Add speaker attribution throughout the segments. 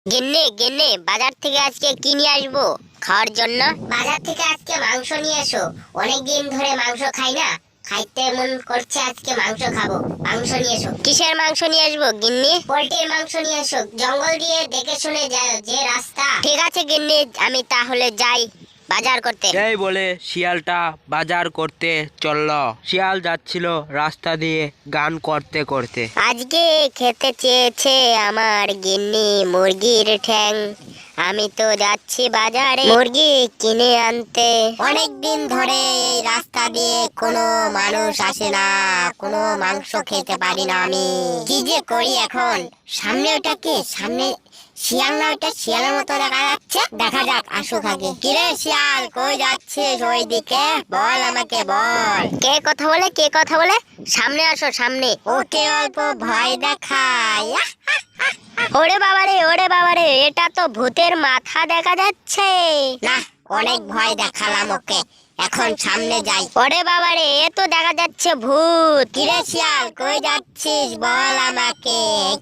Speaker 1: গিন্নি গিন্নি, বাজার থেকে আজকে কি নিয়ে আসবো খাওয়ার জন্য? বাজার থেকে আজকে মাংস নিয়ে এসো। অনেকদিন ধরে মাংস খাই না, খাইতে মন করছে, আজকে মাংস খাবো। মাংস নিয়ে এসো। কিসের মাংস নিয়ে আসবো গিন্নি? পোল্ট্রির মাংস নিয়ে এসো, জঙ্গল দিয়ে দেখে শুনে যে রাস্তা। ঠিক আছে গিন্নি, আমি তাহলে যাই বাজার করতে।
Speaker 2: এই বলে শিয়ালটা বাজার করতে চলল। শিয়াল যাচ্ছিল রাস্তা দিয়ে গান করতে করতে।
Speaker 1: আজকে খেতে চেয়েছে আমার গিন্নি মুরগির ঠ্যাং, আমি তো যাচ্ছি বাজারে মুরগি কিনে আনতে। অনেক দিন ধরে এই রাস্তা দিয়ে কোনো মানুষ আসে না, কোনো মাংস খেতে পারি না আমি। কি যে করি এখন? সামনে ওটা কি? সামনে শিয়াল না? ওটা শিয়ালের মতো দেখা যাচ্ছে। দেখা যাক, আসুক আগে। কিরে শিয়াল, কই যাচ্ছিস ওইদিকে? বল আমাকে বল। কে কথা বলে? কে কথা বলে? সামনে আসো, সামনে। ওকে অল্প ভয় দেখায়। ওরে বাবারে, ওরে বাবারে, এটা তো ভূতের মাথা দেখা যাচ্ছে। না, অনেক ভয় দেখালাম ওকে, এখন সামনে যাই। ওরে বাবারে, এ তো দেখা যাচ্ছে ভূত। কিরে শিয়াল, কই যাচ্ছিস বল আমাকে।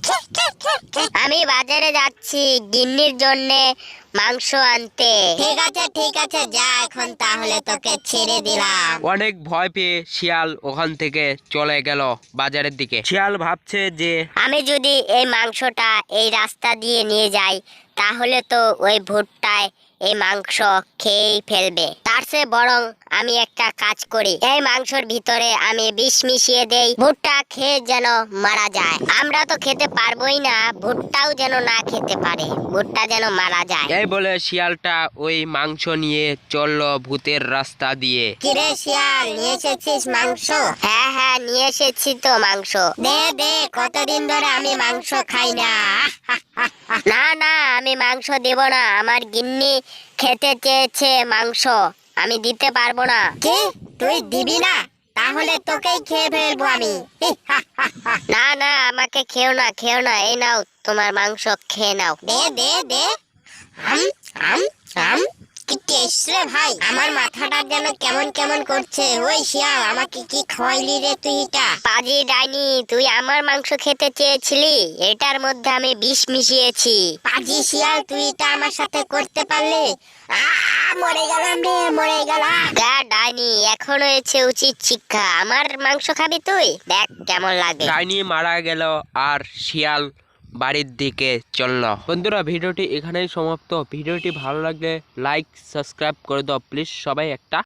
Speaker 1: আমি বাজারে যাচ্ছি গিন্নির জন্য মাংস আনতে। ঠিক আছে ঠিক আছে, যা এখন তাহলে, তোকে ছেড়ে দিলাম।
Speaker 2: অনেক ভয় পেয়ে শিয়াল ওখান থেকে চলে গেল বাজারের দিকে। শিয়াল ভাবছে যে
Speaker 1: আমি যদি এই মাংসটা এই রাস্তা দিয়ে নিয়ে যাই, তাহলে তো ওই ভুট্টায় এই মাংস খেয়েই ফেলবে। তার চেয়ে বরং আমি একটা কাজ করি, এই মাংসের ভিতরে আমি বিষ মিশিয়ে দেই, ভুট্টা খেয়ে যেন মারা যায়। আমরা তো খেতে পারবোই না, ভুট্টাও যেন না খেতে পারে, ভুট্টা যেন মারা যায়।
Speaker 2: এই বলে শিয়ালটা ওই মাংস নিয়ে চলল ভূতের রাস্তা দিয়ে।
Speaker 1: কিরে শিয়াল, নিয়ে এসেছিস মাংস? হ্যাঁ হ্যাঁ, নিয়ে এসেছি তো মাংস। দে দে, কতদিন ধরে আমি মাংস খাই না। না না, আমি মাংস দেব না, আমার গিন্নি খেতে চেয়েছে মাংস, আমি দিতে পারবো না। কি, তুই দিবি না? তাহলে তোকেই খেয়ে ফেলবো আমি। না না, আমাকে খেও না, খেও না, এই নাও তোমার মাংস, খেয়ে নাও। দে দে দে। আম আম আম, কি টেস্ট রে ভাই, আমার মাথাটা যেন কেমন কেমন করছে। ওই শিয়াল, আমাকে কি খাওয়াইলি রে তুই? এটা পাজি ডাইনি, তুই আমার মাংস খেতে চেয়েছিলি, এটার মধ্যে আমি বিষ মিশিয়েছি। পাজি শিয়াল, তুই এটা আমার সাথে করতে পারলি? মরে গেলাম রে, মরে গেলাম। ডাইনি, এখন হয়েছে উচিত শিক্ষা, আমার মাংস খাবি তুই, দেখ কেমন লাগে।
Speaker 2: ডাইনি মারা গেল আর শিয়াল বাড়ির দিকে চলল। বন্ধুরা, ভিডিওটি এখানেই সমাপ্ত। ভিডিওটি ভালো লাগলে লাইক সাবস্ক্রাইব করে দাও প্লিজ সবাই একটা।